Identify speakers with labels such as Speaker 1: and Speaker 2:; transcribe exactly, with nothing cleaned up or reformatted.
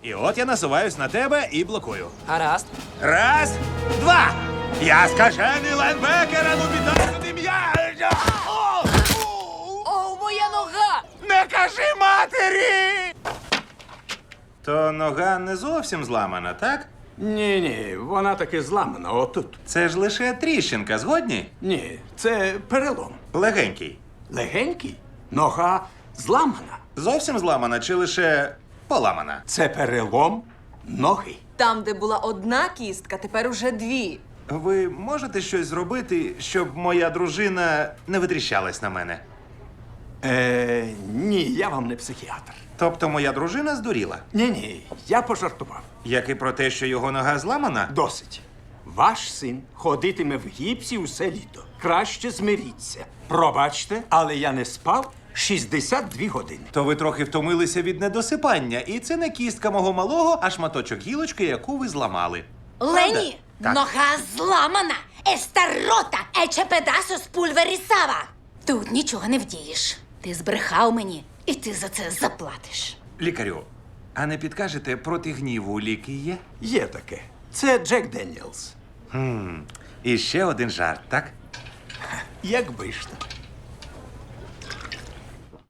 Speaker 1: І от я насуваюсь на тебе і блокую.
Speaker 2: Гаразд.
Speaker 1: Раз, два. Я скажений лайнбекер, а ну віддай сюди м'яч! О!
Speaker 2: О, моя нога!
Speaker 1: Не кажи матері! То нога не зовсім зламана, так?
Speaker 3: Ні, ні, вона таки зламана отут.
Speaker 1: Це ж лише тріщинка, згодні?
Speaker 3: Ні, це перелом.
Speaker 1: Легенький.
Speaker 3: Легенький, нога зламана.
Speaker 1: Зовсім зламана чи лише поламана?
Speaker 3: Це перелом ноги.
Speaker 4: Там, де була одна кістка, тепер уже дві.
Speaker 1: Ви можете щось зробити, щоб моя дружина не витріщалась на мене?
Speaker 3: Е, ні, я вам не психіатр.
Speaker 1: Тобто моя дружина здуріла?
Speaker 3: Ні, ні, я пожартував.
Speaker 1: Як і про те, що його нога зламана?
Speaker 3: Досить. Ваш син ходитиме в гіпсі усе літо. Краще змиріться. Пробачте, але я не спав шістдесят дві години.
Speaker 1: То ви трохи втомилися від недосипання, і це не кістка мого малого, а шматочок гілочки, яку ви зламали.
Speaker 5: Лені,
Speaker 1: Так.
Speaker 5: нога зламана. Esta rota, ече pedazos pulverizaba. Тут нічого не вдієш. Ти збрехав мені, і ти за це заплатиш.
Speaker 1: Лікарю, а не підкажете, проти гніву ліки є?
Speaker 3: Є таке. Це Джек Деніелс.
Speaker 1: І ще один жарт, так?
Speaker 3: Якби ж то.